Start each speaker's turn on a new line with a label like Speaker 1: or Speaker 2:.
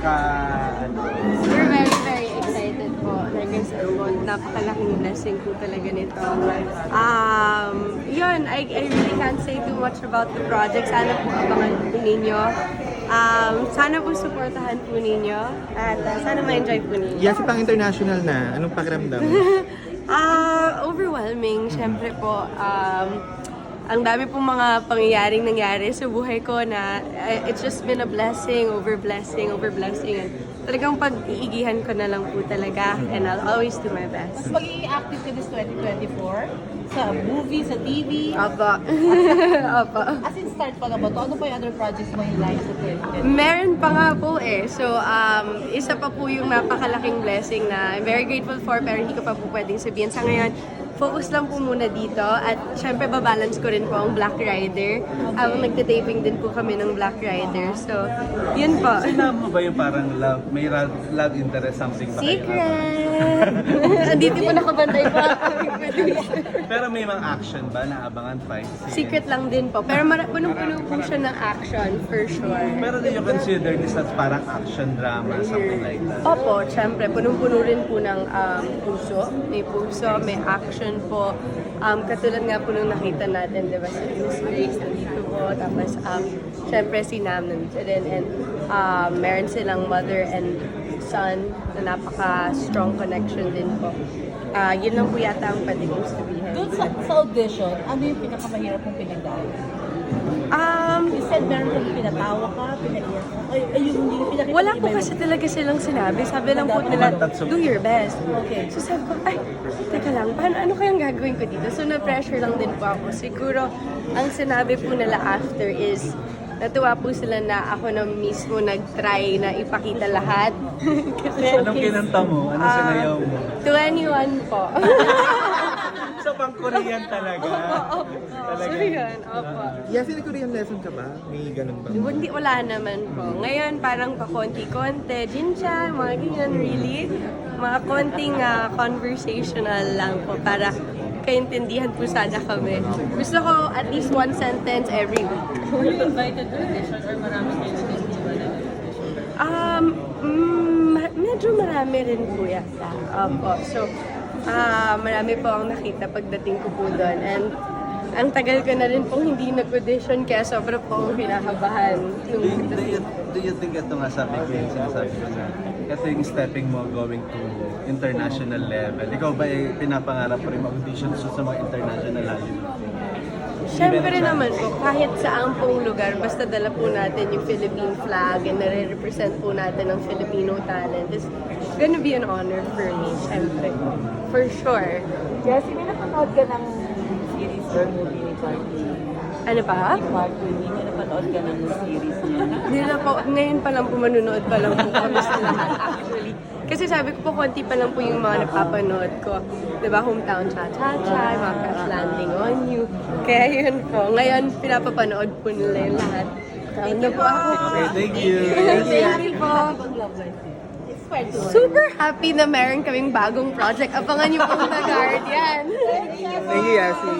Speaker 1: ka...
Speaker 2: We're very, very excited po. Like I said po, napakalaking blessing po talaga nito. Yun, I really can't say too much about the project. Sana po abangan po ninyo. Sana po supportahan po ninyo. At sana ma-enjoy po ninyo.
Speaker 3: Yasi pang international na. Anong pakiramdam?
Speaker 2: Overwhelming, syempre po. Ang dami pong mga pangyayaring nangyari sa buhay ko na it's just been a blessing over blessing over blessing. And talagang pag-iigihan ko na lang po talaga and I'll always do my best.
Speaker 4: Mas magiging active ka this 2024 sa movie, sa TV.
Speaker 2: Opo. Opo.
Speaker 4: As in, start pa na ba ito? Ano pa yung other projects mo in line sa 2024?
Speaker 2: Meron pa nga po eh. So, isa pa po yung napakalaking blessing na I'm very grateful for pero hindi ko pa po pwedeng sabihin. Sa ngayon, focus lang po muna dito at syempre babalance ko rin po ang Black Rider. Nagtitaping din po kami ng Black Rider. So, yun po.
Speaker 1: Sinabi mo ba yung parang may love interest something ba kayo?
Speaker 2: Secret! Andito po nakabantay po ang aming producer.
Speaker 1: Pero may mga action ba na abangan pa?
Speaker 2: Secret lang din po. Pero punong-puno po siya ng action, for sure.
Speaker 1: Pero do you consider this as parang action drama, something like that?
Speaker 2: Opo, syempre, punong-puno rin po ng puso. May puso, may action po. Katulad nga po nung nakita natin, di ba, si Miss Grace nandito po. Tapos, syempre, si Nam nandito din. And meron silang mother and son na napaka-strong connection din po. Yun lang po yata ang pwede kong sabihin.
Speaker 4: Doon sa audition, ano yung pinakamahirap mong pinagdaan? You said meron kang pinatawa ka, pinaiyak ka. Yung pinakita
Speaker 2: Wala po kasi talaga silang sinabi. Sabi lang po nila, do your best.
Speaker 4: Okay.
Speaker 2: So sabi ko, ay, teka lang, ano kayang gagawin ko dito? So na-pressure lang din po ako. Siguro, ang sinabi po nila after is, natuwa po sila na ako na mismo nag-try na ipakita lahat. Kasi,
Speaker 1: Anong kinanta mo? Anong sinayaw mo?
Speaker 2: 21 po.
Speaker 1: So, pang Korean talaga.
Speaker 2: So yun, opo.
Speaker 3: Yasi, nag-Korean lesson ka ba? May ganun ba?
Speaker 2: Hindi, wala naman po. Ngayon, parang pa-konti-konti. Jinchan, mga ganyan, really. Mga konting conversational lang po para kaintindihan po sana kami. Gusto ko at least one sentence every week.
Speaker 4: Were you invited to audition or marami kayo
Speaker 2: Medyo marami rin po yata. Opo. So, marami po ang nakita pagdating ko po doon. And ang tagal ko na rin pong hindi nag-audition kaya sobra po akong kinakabahan.
Speaker 1: Do you think ito nga sabi ko yung sinasabi ko na kasi yung stepping mo going to international level, ikaw ba pinapangarap pa rin mag-audition sa mga international level?
Speaker 2: Siyempre naman po, kahit saan pong lugar, basta dala po natin yung Philippine flag and nare-represent po natin ang Filipino talent. It's gonna be an honor for me, siyempre. For sure.
Speaker 4: Jessie, may napanood ka ng series or movie ni Parky?
Speaker 2: Ano pa?
Speaker 4: Parky, may napanood ka ng series niya?
Speaker 2: Hindi na po, ngayon pa lang po manunood pa lang po kami sa lahat actually. Kasi sabi ko po, konti pa lang po yung mga napapanood ko. Diba, Hometown Cha-Cha-Cha, mga Crash Landing on You. Kaya yun po, ngayon pinapapanood po nila yung lahat. Proud na po ako.
Speaker 1: Okay, thank you.
Speaker 2: Thank you po.
Speaker 4: It's quite good.
Speaker 2: Super happy na meron kaming bagong project. Abangan niyo po The Guardian.
Speaker 3: Thank you, Yasi.